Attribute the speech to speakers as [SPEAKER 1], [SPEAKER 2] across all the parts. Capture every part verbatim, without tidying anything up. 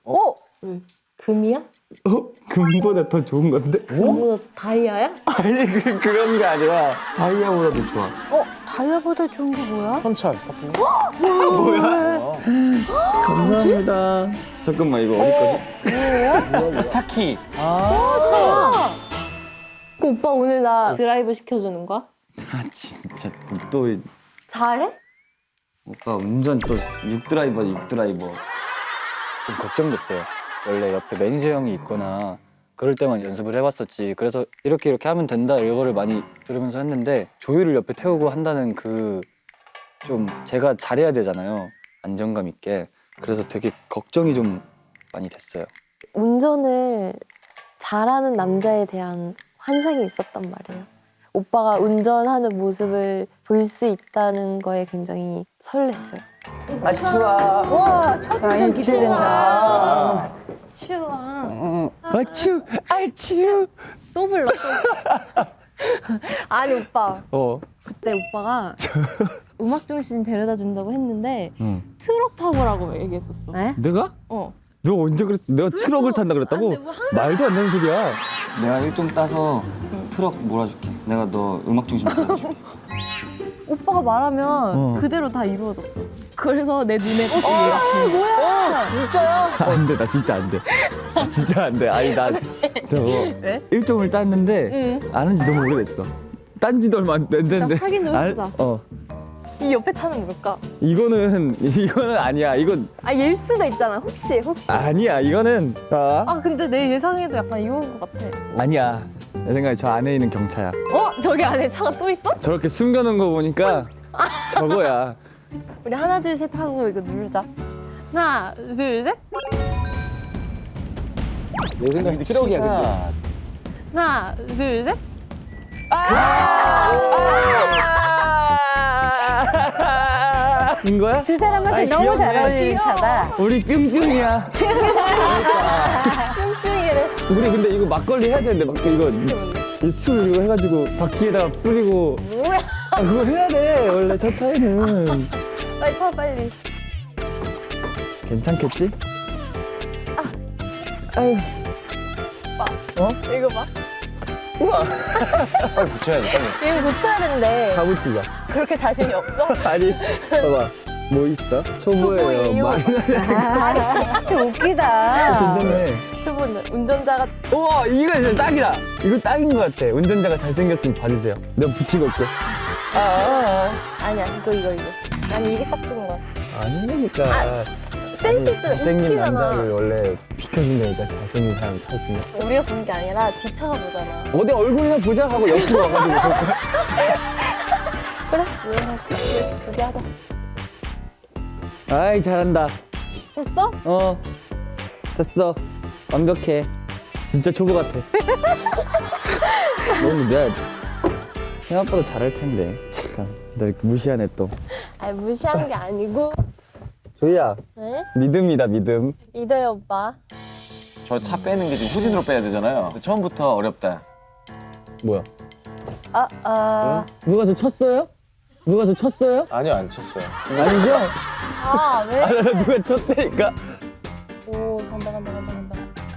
[SPEAKER 1] 어? 응. 금이야?
[SPEAKER 2] 어? 금보다 더 좋은 건데?
[SPEAKER 1] 금보다 다이아야?
[SPEAKER 2] 아니 그, 그런 게 아니라 다이아보다도 좋아.
[SPEAKER 1] 어? 다이아보다 좋은 게 뭐야?
[SPEAKER 3] 현찰 같은 거?
[SPEAKER 2] 뭐야? 감사합니다. 잠깐만 이거 어디 거지?
[SPEAKER 3] 차키.
[SPEAKER 1] 그 오빠 오늘 나 드라이브 시켜주는 거야?
[SPEAKER 2] 아 진짜 또
[SPEAKER 1] 잘해?
[SPEAKER 2] 오빠 운전 또 육드라이버 육드라이버.
[SPEAKER 4] 좀 걱정됐어요. 원래 옆에 매니저 형이 있거나 그럴 때만 연습을 해봤었지. 그래서 이렇게 이렇게 하면 된다 이거를 많이 들으면서 했는데 조율을 옆에 태우고 한다는 그 좀 제가 잘해야 되잖아요. 안정감 있게. 그래서 되게 걱정이 좀 많이 됐어요.
[SPEAKER 1] 운전을 잘하는 남자에 대한 환상이 있었단 말이에요. 오빠가 운전하는 모습을 볼 수 있다는 거에 굉장히 설렜어요.
[SPEAKER 2] 아 추워.
[SPEAKER 1] 와, 첫 운전 기대된다. 추워.
[SPEAKER 2] 아 추워. 아 추워.
[SPEAKER 1] 또 불러. 또. 아니 오빠,
[SPEAKER 2] 어.
[SPEAKER 1] 그때 오빠가 음악 중심 데려다 준다고 했는데
[SPEAKER 2] 응.
[SPEAKER 1] 트럭 타보라고 얘기했었어. 네?
[SPEAKER 2] 내가?
[SPEAKER 1] 어.
[SPEAKER 2] 너 언제 그랬어? 내가 트럭을 탄다 그랬다고?
[SPEAKER 1] 안 돼, 뭐 항상-
[SPEAKER 2] 말도 안 되는 소리야. 내가 일종 따서 트럭 몰아줄게. 내가 너 음악 중심 찾아줄게.
[SPEAKER 1] 오빠가 말하면
[SPEAKER 2] 어.
[SPEAKER 1] 그대로 다 이루어졌어. 그래서 내 눈에 딱 아, 뭐야?
[SPEAKER 3] 진짜야?
[SPEAKER 2] 안 돼, 나 진짜 안 돼. 나 진짜 안 돼. 아니 나 저거
[SPEAKER 1] 왜?
[SPEAKER 2] 일종을 땄는데
[SPEAKER 1] 응.
[SPEAKER 2] 안 한 지 너무 오래됐어. 딴 지도 얼마 안 됐는데.
[SPEAKER 1] 자, 확인 좀
[SPEAKER 2] 안-
[SPEAKER 1] 해보자.
[SPEAKER 2] 어.
[SPEAKER 1] 이 옆에 차는 뭘까?
[SPEAKER 2] 이거는 이거는 아니야. 이건
[SPEAKER 1] 아, 얘일 수도 있잖아. 혹시 혹시. 아,
[SPEAKER 2] 아니야. 이거는 아,
[SPEAKER 1] 근데 내 예상에도 약간 이건 것 같아.
[SPEAKER 2] 아니야. 내 생각에 저 안에 있는 경차야.
[SPEAKER 1] 어? 저기 안에 차가 또 있어?
[SPEAKER 2] 저렇게 숨겨놓은 거 보니까 저거야.
[SPEAKER 1] 우리 하나 둘 셋 하고 이거 누르자. 하나 둘 셋.
[SPEAKER 4] 내 생각에 트럭이야 근데.
[SPEAKER 1] 하나 둘 셋.
[SPEAKER 2] 인 거야?
[SPEAKER 1] 두 사람한테
[SPEAKER 2] 아이,
[SPEAKER 1] 너무 잘
[SPEAKER 2] 귀엽네.
[SPEAKER 1] 어울리는 차다.
[SPEAKER 2] 우리 뿅뿅이야.
[SPEAKER 1] 뿅뿅이래.
[SPEAKER 2] 우리 근데 이거 막걸리 해야 되는데 막 이거 이 술 이거 해가지고 바퀴에다가 뿌리고
[SPEAKER 1] 뭐야?
[SPEAKER 2] 아 그거 해야 돼 원래 첫 차에는.
[SPEAKER 1] 빨리 타 빨리.
[SPEAKER 2] 괜찮겠지? 아유. 어?
[SPEAKER 1] 이거 봐.
[SPEAKER 2] 우와.
[SPEAKER 3] 빨리 붙여야지, 빨리.
[SPEAKER 1] 이거 고쳐야 된대.
[SPEAKER 2] 다 붙이자.
[SPEAKER 1] 그렇게 자신이 없어?
[SPEAKER 2] 아니 봐봐 뭐 있어? 초보예요.
[SPEAKER 1] 초보예요.
[SPEAKER 2] 많이
[SPEAKER 1] 좀 웃기다.
[SPEAKER 2] 괜찮네.
[SPEAKER 1] 초보 운전자가
[SPEAKER 2] 우와 이거 진짜 딱이다. 이거 딱인 것 같아. 운전자가 잘생겼으면 받으세요. 내가 붙이고 올게. 아, 아,
[SPEAKER 1] 아니야 이거 이거 이거. 난 이게 딱 좋은 것 같아.
[SPEAKER 2] 아. 아니니까.
[SPEAKER 1] 센스 있잖아.
[SPEAKER 2] 잘생긴
[SPEAKER 1] 웃기잖아.
[SPEAKER 2] 남자를 원래 비켜준다니까 잘생긴 사람 타 있으면.
[SPEAKER 1] 우리가 보는 게 아니라 뒤차가 보잖아.
[SPEAKER 2] 어디 얼굴이나 보자 하고 옆으로 와가지고 볼 거야.
[SPEAKER 1] 그래? 이렇게 이렇게 두 개 하자.
[SPEAKER 2] 아이 잘한다.
[SPEAKER 1] 됐어?
[SPEAKER 2] 어 됐어. 완벽해. 진짜 초보 같아. 너무 내가 생각보다 잘할 텐데. 참, 나 이렇게 무시하네 또.
[SPEAKER 1] 아니 무시한 게 아니고.
[SPEAKER 2] 조이야
[SPEAKER 1] 네?
[SPEAKER 2] 믿음이다 믿음.
[SPEAKER 1] 이도희 오빠.
[SPEAKER 3] 저 차 빼는 게 지금 후진으로 빼야 되잖아요. 처음부터 어렵다.
[SPEAKER 2] 뭐야?
[SPEAKER 1] 아 아.
[SPEAKER 2] 누가 저 쳤어요? 누가 저 쳤어요?
[SPEAKER 3] 아니요, 안 쳤어요.
[SPEAKER 2] 아니죠?
[SPEAKER 1] 아 왜?
[SPEAKER 2] 아, 나 누가 쳤다니까.
[SPEAKER 1] 오 간다 간다 간다 간다.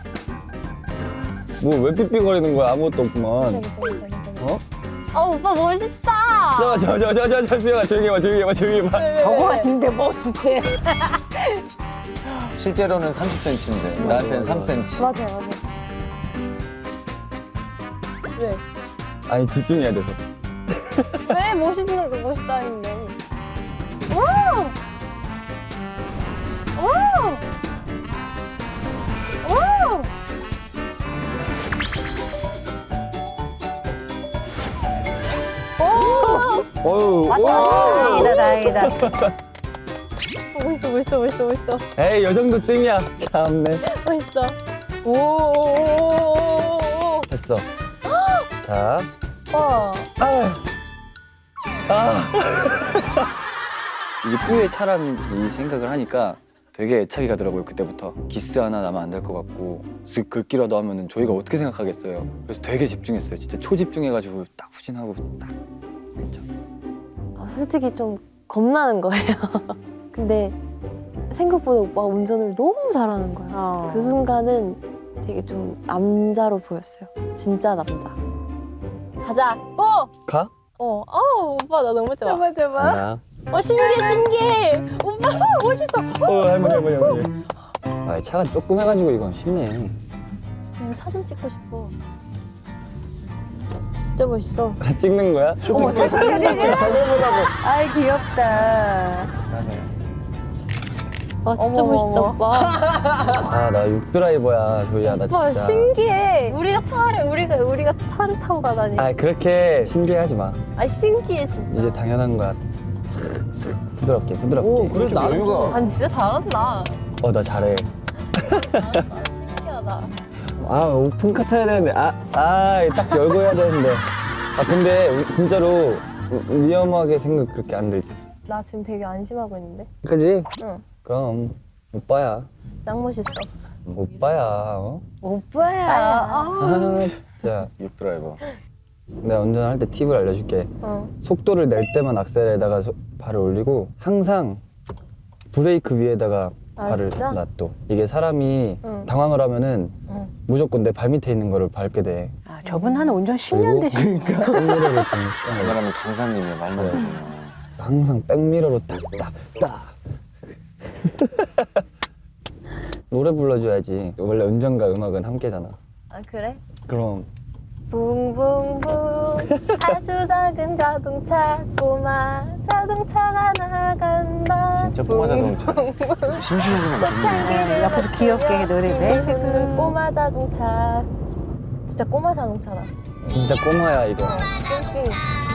[SPEAKER 2] 뭐 왜 삐삐거리는 거야? 아무것도 없구만.
[SPEAKER 1] 괜찮아 괜찮아 괜찮아.
[SPEAKER 2] 어?
[SPEAKER 1] 아 오빠 멋있다.
[SPEAKER 2] 저 저 저 저 저 수영아 조용히 해봐 조용히 해봐 조용히 해봐.
[SPEAKER 1] 저거 아닌데 멋있대.
[SPEAKER 3] 실제로는 삼십 센티미터인데 나한테는 삼 센티미터.
[SPEAKER 1] 맞아 맞아. 왜?
[SPEAKER 2] 아니 집중해야 돼서.
[SPEAKER 1] 왜 멋있는 거 멋있다는데? 오! 오! 오! 오!
[SPEAKER 2] 어유.
[SPEAKER 1] 다행이다 다행이다. 멋있어 멋있어 멋있어 멋있어
[SPEAKER 2] 에이 요 정도쯤이야. 참네.
[SPEAKER 1] 멋있어. 오!
[SPEAKER 2] 됐어. 자.
[SPEAKER 1] 와.
[SPEAKER 2] 아. 아.
[SPEAKER 4] 이게 뿌의 차라는 이 생각을 하니까 되게 애착이 가더라고요. 그때부터 기스 하나 나면 안 될 것 같고 쓱 긁기라도 하면은 저희가 어떻게 생각하겠어요. 그래서 되게 집중했어요. 진짜 초집중해가지고 딱 후진하고 딱 괜찮아.
[SPEAKER 1] 아, 솔직히 좀 겁나는 거예요. 근데 생각보다 오빠가 운전을 너무 잘하는 거야.
[SPEAKER 5] 어.
[SPEAKER 1] 그 순간은 되게 좀 남자로 보였어요. 진짜 남자. 가자. 고!
[SPEAKER 2] 가?
[SPEAKER 1] 어, 어, 오빠 나 너무 좋아.
[SPEAKER 5] 잡아 잡아.
[SPEAKER 2] 나.
[SPEAKER 1] 어, 신기해, 신기해. 오빠 멋있어.
[SPEAKER 2] 어 할머니 할머니 할머니. 아 차가 조금 해가지고 이건 쉽네.
[SPEAKER 1] 이거 사진 찍고 싶어. 진짜 멋있어.
[SPEAKER 2] 아, 찍는 거야?
[SPEAKER 5] 어머 세상에
[SPEAKER 2] 저걸 보라고.
[SPEAKER 5] 아이 귀엽다.
[SPEAKER 1] 와, 진짜
[SPEAKER 5] 어머,
[SPEAKER 1] 멋있다,
[SPEAKER 5] 어머.
[SPEAKER 1] 오빠.
[SPEAKER 2] 아나 육드라이버야 조이야 나
[SPEAKER 1] 오빠
[SPEAKER 2] 진짜.
[SPEAKER 1] 신기해. 우리가 차를 우리가 우리가 차를 타고 가다니.
[SPEAKER 2] 아 그렇게 신기해하지 마.
[SPEAKER 1] 아 신기해 진짜.
[SPEAKER 2] 이제 당연한 거야. 부드럽게 부드럽게.
[SPEAKER 3] 오, 그래 좀 여유가.
[SPEAKER 1] 아니 진짜 잘한다.
[SPEAKER 2] 어 나 잘해.
[SPEAKER 1] 아, 신기하다.
[SPEAKER 2] 아 오픈카 타야 되는데 아아딱 열고 해야 되는데. 아 근데 우- 진짜로 위- 위험하게 생각 그렇게 안 들지.
[SPEAKER 1] 나 지금 되게 안심하고 있는데.
[SPEAKER 2] 그지?
[SPEAKER 1] 응.
[SPEAKER 2] 그럼 오빠야.
[SPEAKER 1] 짱 멋있어.
[SPEAKER 2] 오빠야. 어?
[SPEAKER 5] 오빠야.
[SPEAKER 1] 아,
[SPEAKER 2] 아 진짜.
[SPEAKER 3] 육드라이버.
[SPEAKER 2] 내가 운전할 때 팁을 알려줄게.
[SPEAKER 1] 어.
[SPEAKER 2] 속도를 낼 때만 악셀에다가 소- 발을 올리고 항상 브레이크 위에다가
[SPEAKER 1] 아,
[SPEAKER 2] 발을
[SPEAKER 1] 진짜?
[SPEAKER 2] 놔둬. 이게 사람이
[SPEAKER 1] 응.
[SPEAKER 2] 당황을 하면은
[SPEAKER 1] 응.
[SPEAKER 2] 무조건 내 발 밑에 있는 거를 밟게 돼.
[SPEAKER 5] 아, 저분 한 운전 십 년
[SPEAKER 2] 그리고
[SPEAKER 5] 되신.
[SPEAKER 2] 백미러를 좀
[SPEAKER 3] 왜냐면 강사님이야 말만
[SPEAKER 2] 네.
[SPEAKER 3] 들으면.
[SPEAKER 2] 항상 백미러로 딱딱딱. 노래 불러줘야지. 원래 운전과 음악은 함께잖아.
[SPEAKER 1] 아 그래?
[SPEAKER 2] 그럼
[SPEAKER 1] 붕붕붕 아주 작은 자동차 꼬마 자동차가 나간다.
[SPEAKER 3] 진짜 꼬마 자동차. 심심해지면 안
[SPEAKER 1] 꽃향기를
[SPEAKER 5] 옆에서 귀엽게 노래를
[SPEAKER 1] 맡기는
[SPEAKER 5] 해주고.
[SPEAKER 1] 꼬마 자동차. 진짜 꼬마 자동차다.
[SPEAKER 2] 진짜 꼬마야 이거.
[SPEAKER 1] 어, 띵띵.